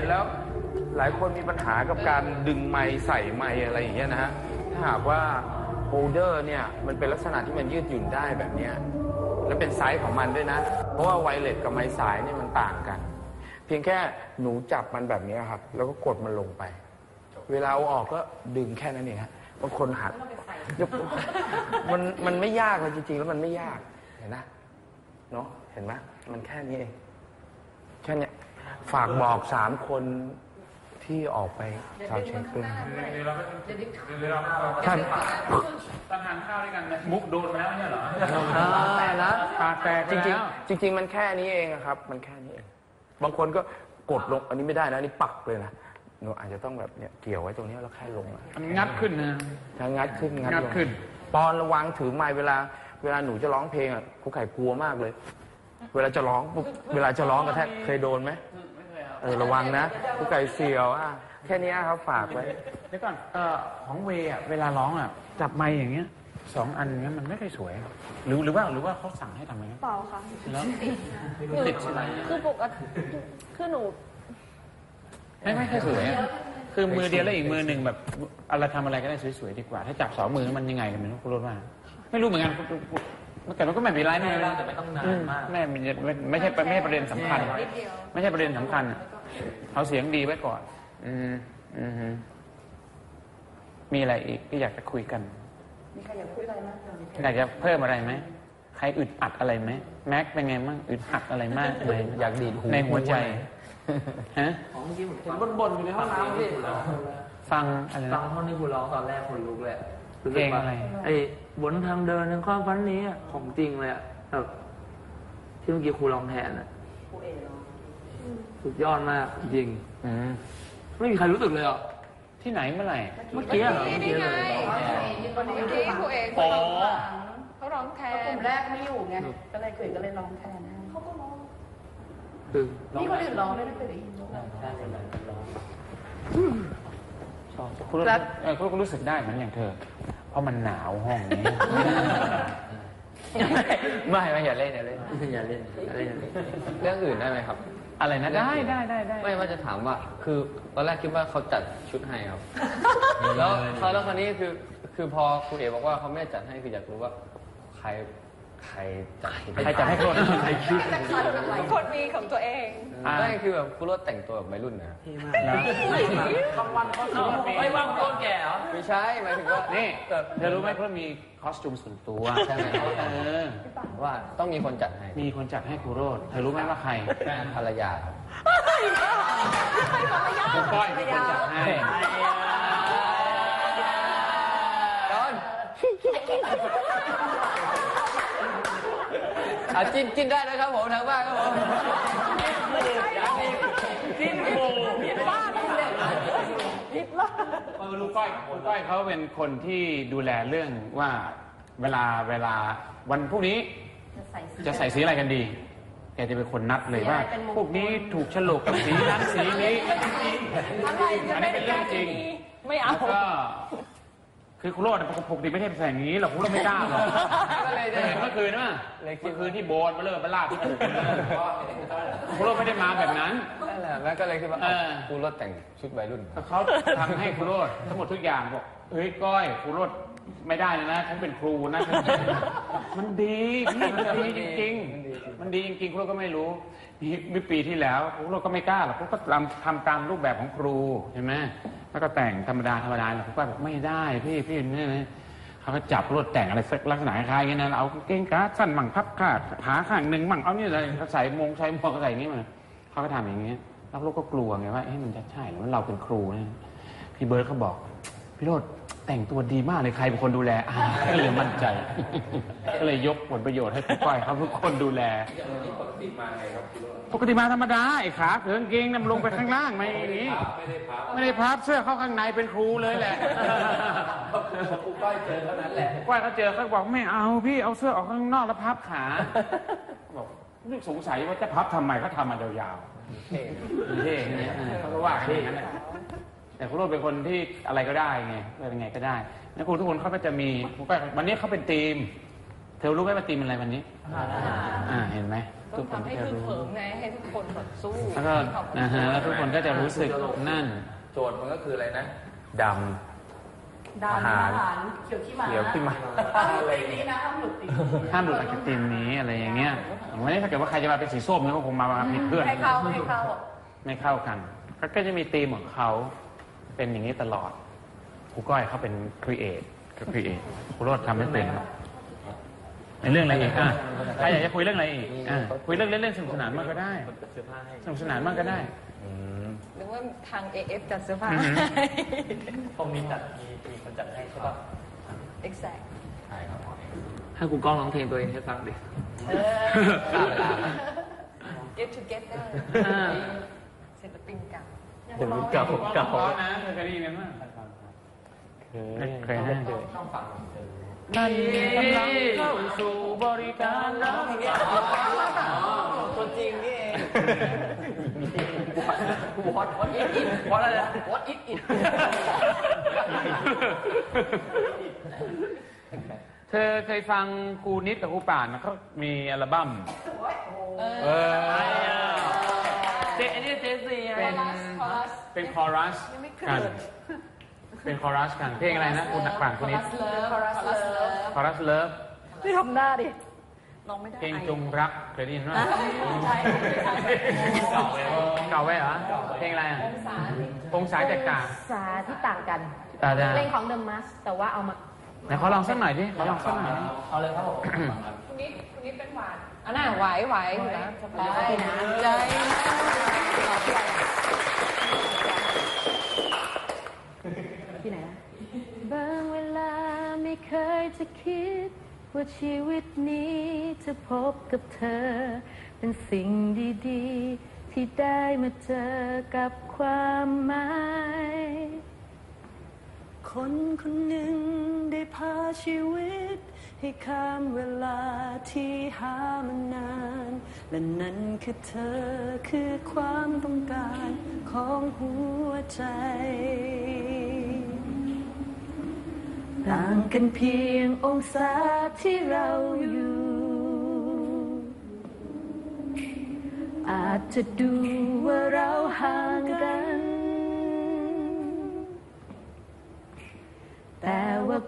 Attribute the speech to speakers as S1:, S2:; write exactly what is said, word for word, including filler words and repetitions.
S1: นแล้วหลายคนมีปัญหากับการดึงไมค์ใส่ไมค์อะไรอย่างเงี้ยนะฮะถ้าหากว่าโฮลเดอร์เนี่ยมันเป็นลักษณะที่มันยืดหยุ่นได้แบบนี้และเป็นไซส์ของมันด้วยนะเพราะว่าไวเลสกับไมค์สายเนี่ยมันต่างกันเพียงแค่หนูจับมันแบบนี้ครับแล้วก็กดมันลงไปเวลาเอาออกก็ดึงแค่นั้นเองฮะบางคนหักมันมันไม่ยากเลยจริงๆแล้วมันไม่ยากเห็นนะเนาะเห็นไหมมันแค่นี้เองแค่นี้ฝากบอกสามคนที่ออกไปชาวเช็คด้วยท่าน
S2: ตั้งทานข้าวด้วยกันมุกโดนแล้วเนี่ยเหรอ
S1: นะ
S2: ตาแตก
S1: จริงๆจริงๆมันแค่นี้เองครับมันแค่นี้เองบางคนก็กดลงอันนี้ไม่ได้นะนี่ปักเลยนะหนูอาจจะต้องแบบเนี่ยเกี่ยวไว้ตรงนี้แล้วแค่ลง
S2: มันงัดขึ้นนะ
S1: งัดขึ้น
S2: งัดขึ้น
S1: ปอนระวังถือไมค์เวลาเวลาหนูจะร้องเพลงอ่ะครูไข่กลัวมากเลยเวลาจะร้องเวลาจะร้องกระแทกเคยโดนไหมเออระวังนะครูไก่เสียวอ่ะแค่นี้ครับฝากไว้
S2: เดี๋ยวก่อนเอ่อของเวอ่ะเวลาร้องอ่ะจับไมค์อย่างเงี้ยสองอันเงี้ยมันไม่ค่อยสวยหรือหรือว่าหรือว่าเขาสั่งให้ทำไง
S3: เปล่าค่ะ
S2: แล้วติดใช่ไหม
S3: คือปกติคือหนู
S2: ไม่ไม่ค่อยสวยคือมือเดียวแล้วอีกมือหนึ่งแบบอะไรทำอะไรก็ได้สวยๆดีกว่าถ้าจับสองมือมันยังไงกันไม่รู้คุณรู้ว่าไม่รู้เหมือนกันเมื่อก่อนมันก็ไม่มีไรไม่
S4: แต่ไม่ต้องนานมาก
S2: แม่ไม่ใช่ไม่ใช่ประเด็นสำคัญไม่ใช่ประเด็นสำคัญเอาเสียงดีไว้ก่อนอืมอืมมีอะไรอีกที่อยากจะคุยกัน
S3: มีใครอยากคุยอะไรไหม
S2: อยากจะเพิ่มอะไรไหมใครอึดอัดอะไรไหมแม็กเป็นไงมั่งอึดอัดอะไรมากเลย
S1: อยากดีดหู
S2: ในหัวใจฮะ
S4: ของเมื่อกี้ผมเห็นบ่นๆอยู่ในห้องน้ำพี่
S2: ฟังอะไร
S4: ฟังท่อนที่คุณร้องตอนแรกคนลุกเลย
S2: เพลงอะไร
S4: ไอ้บนทางเดินในความฝันนี้ของจริงเลยอะแบบที่เมื่อกี้ครูร้องแทนอะสุดยอดมากจริงไม่มีใครรู้สึกเลยอ่ะ
S2: ที่ไหนเมื่อไหร่
S4: เมื่อกี้เหรอ
S3: เมื่อกี้ไงเมื่อกี้ครูเอกเขาร้องเขาร้องแทนกลุ่มแรกไม่อยู่ไงก็เลยคุยก็เลยร้องแทนเขาก็ร้องนี่คนอื่นร้องไม่ได้เคยได้ยินร้อง
S2: คุณคุณก็รู้สึกได้เหมือนอย่างเธอเพราะมันหนาวห้องนี้
S1: ไม่ไม่อย่าเล่นอย่าเล่น
S4: อย่าเล่นอะไร
S1: เรื่องอื่นได้ไหมครับ
S2: อะไรนะได้ได้ได้ได้
S1: ไม่ว่าจะถามว่าคือตอนแรกคิดว่าเขาจัดชุดให้ครับแล้วเขาแล้วคราวนี้คือคือพอครูเอ๋บอกว่าเขาไม่จัดให้คืออยากรู้ว่าใครใครจัด
S2: ใครจัดให้คน
S3: ใครคิดคนมีของตัวเอง
S1: ไม่คือแบบครูรถแต่งตัวแบบวัยรุ่นนะ
S4: บางวันเขาไม่ว่างต้นแก่เหรอ
S1: ไม่ใช่หมายถึงว่า
S2: นี่เธอรู้ไหมเขามีคอสตูมส่วนตัว
S1: ใช่ไหมว่าต้องมีคนจัดให้
S2: มีคนจัดให้ครูโรดเธอรู้ไหมว่าใคร
S1: ภรรยา
S2: ครูก้อยเป็นคนจัดให้
S1: ตอนอ่ะจิ้นจิ้นได้นะครับผมทางบ้านครับผม
S2: จิ้นโบผิดบ้านเลยผิดบ้านลูกก้อยลูกก้อยเขาเป็นคนที่ดูแลเรื่องว่าเวลาเวลาวันพรุ่งนี้จะใส่สีอะไรกันดีแกจะเป็นคนนัดเลยว่าพวกนี้ถูกฉลกกับสีนั้นสีนี้อันนี้เป็นเรื่องจริง
S3: ไม่เอา
S2: ก็คือครูโรดปกติไม่ใช่ใส่อย่างนี้หรอกครูโรดไม่กล้าหรอกก็เลยเห็นเมื่อคืนนะเมื่อคืนที่โบนมาเริ่มมาลาดที่ถูกครูโรดไม่ได้มาแบบนั้น
S1: นั่นแหละแล้วก็เลยคิดว่าครูโรดแต่งชุดวัยรุ่น
S2: เขาทำให้ครูโรดทั้งหมดทุกอย่างบอกเฮ้ยก้อยครูโรดไม่ได้นะฉันเป็นครูนะมันดีพี่มันดีจริงๆมันดีจริงๆครูโรดก็ไม่รู้นี่ปีที่แล้วครูโรดก็ไม่กล้าหรอกครูก็ทำทำตามรูปแบบของครูใช่ไหมแล้วก็แต่งธรรมดาธรรมดาแหละผมก็บอกไม่ได้พี่พี่นี่นะเขาก็จับรถแต่งอะไรสักลักษณะคล้ายๆกันนะเอาเก่งขาสั้นมั่งพับขาขาข้างหนึ่งมั่งเอานี่อะไรเขาใส่มงใส่หมวกใส่อย่างนี้มาเขาก็ทำอย่างนี้แล้วลูกก็กลัวไงว่าเฮ้ยมันจะใช่หรือว่าเราเป็นครูเนี่ยพี่เบิร์ดเขาบอกพี่โรดแต่งตัวดีมากเลยใครเป็นคนดูแลก็เลยมั่นใจก็เลยยกผลประโยชน์ให้พี่ก้อยเขาทุกคนดูแลปกติมาไงครับปกติมาธรรมดาไอ้ขาเถิงเกงนำลงไปข้างล่างไม่อย่างนี้ไม่ได้พับไม่ได้พับเสื้อเข้าข้างในเป็นครูเลยแหละ
S4: ครูก้อยเจอเท่านั้นแหละ
S2: ก้อยเขาเจอเขาบอกไม่เอาพี่เอาเสื้อออกข้างนอกแล้วพับขาบอกนึกสงสัยว่าจะพับทำไมเขาทำมายาวๆเท่เท่เขาก็ว่าอย่างนั้นแหละแต่ครูโรดเป็นคนที่อะไรก็ได้ไงเป็นไงก็ได้แล้วครูทุกคนเขาก็จะมีวันนี้เขาเป็นทีมเธอรู้ไหมว่าทีมอะไรวันนี้อ่าเห็นไหม
S3: ต้องทำให้คือเขิมไงให้ทุกคนแบบสู้
S2: แล้วก็นะฮะแล้วทุกคนก็จะรู้สึกนั่น
S1: โจทย์มันก็คืออะไรนะดำ
S3: ดาว
S1: อาหาร
S3: อาหารเขียวขี้หมา
S1: เขียวขี้หมา
S3: อะไรนี้นะห้ามหลุดตี
S2: ห้ามหลุดจากธีมนี้อะไรอย่างเงี้ยวันนี้ถ้าเกิดว่าใครจะมาเป็นสีส้มเนี่ยก็คงมามาผิดเพื่อน
S3: ให้เข้าให้เข้า
S2: ไม่เข้ากันก็ก็จะมีธีมของเขาเป็นอย่างนี้ตลอดครูก้อยเขาเป็นครีเอทคือครีเอทครูโรดทำไม่เป็นในเรื่องอะไรอีกอ่ะใครอยากจะคุยเรื่องอะไรอีกอ่ะคุยเรื่องเล่นๆสนุกสนานมากก็ได้สนุกสนานมากก็ได้
S3: หรือว่าทาง เอ เอฟ จัดเสื้อผ้า
S2: อือหือ
S5: ตรงนี้จัดมีมีคนจัดให้ใช่ป่ะ
S3: exact
S4: ให้กูกล้องร้องเพลงตัวเองให้ฟังดิ
S3: เออ get together
S4: อ่า
S3: ศิลปินเก่า
S5: เดี๋ยวเก่าเก่า
S2: เพราะนะเคยได้ยินกันมั้ยเคยให้นั่นกำลังเข้าสู่บริการน้ำ
S5: ตัวจริงนี่เอง
S4: what what it it what อะไรนะ what it it
S2: เธอเคยฟังครูนิดกับครูป่านนะเขามีอัลบั้มเออ
S4: เจอันนี้เจสี่
S2: เป็นเป็นคอรัสกันเป็นคอรัสกันเพลงอะไรนะคุณป่านครูนิด
S3: Chorus Love
S2: คอรัสเลิฟ
S3: ไม่ทำหน้าดิลองไม่ได้
S2: เพลงจงรักเคยได้ยินไหม
S3: ใช่
S2: เก่าเลยเก่าไว้เหรอเพลงอะไรอ่ะองศาแตกต่าง
S6: สาที่ต่างกัน
S2: ตาดา
S6: เพลงของ The Mask แต่ว่าเอามา
S2: ไหนขอลองสักหน่อยดิขอลองสักหน่อยดิ
S5: เอาเลยครับผม
S3: คุณนิดคุณนิดเป็นหวานอันน่ะไหวไหวอยู่นะได้นะใจ
S6: ที่ไหนนะบางเวลาไม่เคยจะคิดว่าชีวิตนี้จะพบกับเธอ เป็นสิ่งดีๆ ที่ได้มาเจอกับความหมายคนคนหนึ่งได้พาชีวิต ให้ข้ามเวลาที่หามานาน และนั่นคือเธอคือความต้องการของหัวใจ ต่างกันเพียงองศาที่เราอยู่ อาจจะดูว่าเราห่างกัน แต่ว่า